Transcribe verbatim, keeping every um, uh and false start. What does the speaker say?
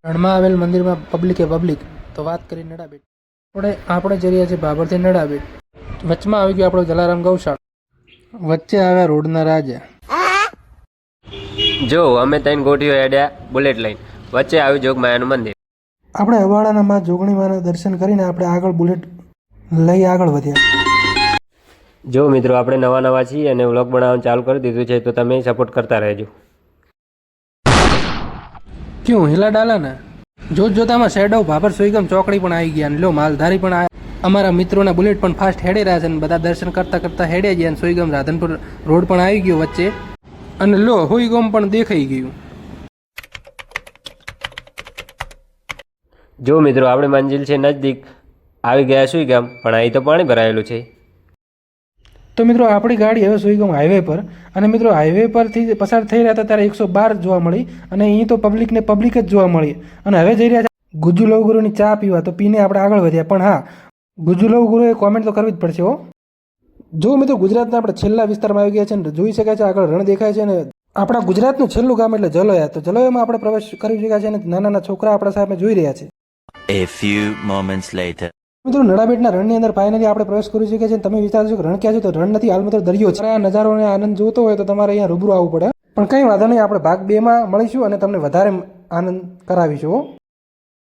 રણમાં આવેલ મંદિરમાં પબ્લિકે પબ્લિક તો વાત કરી નડાબેટ. આપણે આપણે જઈ રહ્યા છીએ બાબરથી નડાબેટ. વચમાં આવી ગયો આપણો જલારામ ગૌશાળા. વચ્ચે આવ્યા રોડના રાજા. જો અમે ત્રણ ગોઠીઓ હેડ્યા બુલેટ લઈને, વચ્ચે આવ્યું જોગમાયાનું મંદિર. આપણે અવાડાના માં જોગણી માના દર્શન કરીને આપણે આગળ બુલેટ લઈ આગળ વધ્યા. જો મિત્રો, આપણે નવા નવા છીએ અને વ્લોગ બનાવવાનું ચાલુ કરી દીધું છે, તો તમે સપોર્ટ કરતા રહેજો. ક્યું હિલા ડાલા ને જોત જોતામાં શેડો ભાભર સુઈગમ ચોકડી પણ આવી ગયા અને લો માલધારી પણ આ અમારા મિત્રોના બુલેટ પણ ફાસ્ટ હેડે રહ્યા છે અને બધા દર્શન કરતા કરતા હેડે ગયા અને સુઈગમ રાધનપુર રોડ પણ આવી ગયો વચ્ચે અને લો હુઈગમ પણ દેખાઈ ગયું. જો મિત્રો, આપણે મંજિલ છે નજદીક આવી ગયા સુઈ ગામ, પણ અહીં તો પાણી ભરાયેલું છે. તો મિત્રો, આપણી ગાડી હવે સુઈગમ હાઈવે પર અને મિત્રો હાઈવે પરથી પસાર થઈ રહ્યા હતા ત્યારે એકસો બાર જોવા મળી અને અહીં તો પબ્લિકને પબ્લિક જ જોવા મળી અને હવે જઈ રહ્યા છે ગુજુ લવગુરુની ચા પીવા. તો પીને આપણે આગળ વધ્યા. પણ હા, ગુજુ લવગુરુએ કોમેન્ટ તો કરવી જ પડશે હો. જો મિત્રો, ગુજરાતના આપણે છેલ્લા વિસ્તારમાં આવી ગયા છે ને જોઈ શકાય છે આગળ રણ દેખાય છે અને આપણા ગુજરાતનું છેલ્લું ગામ એટલે જલોયા. તો જલોયામાં આપણે પ્રવેશ કરી શક્યા છે અને નાના નાના છોકરા આપણા સામે જોઈ રહ્યા છે. A few moments later. મિત્રો, નડાબેટના રણની અંદર ફાઇનલી આપણે પ્રવેશ કરી શકીએ છીએ. તમે વિચારશો કે રણ ક્યાં છે, તો રણ નથી, હાલ મિત્રો દરિયો છે. આ નજારોને આનંદ જોતો હોય તો તમારે અહીંયા રૂબરૂ આવવું પડે. પણ કંઈ વાંધો નહીં, આપણે ભાગ બે માં મળીશું અને તમને વધારે આનંદ કરાવીશું.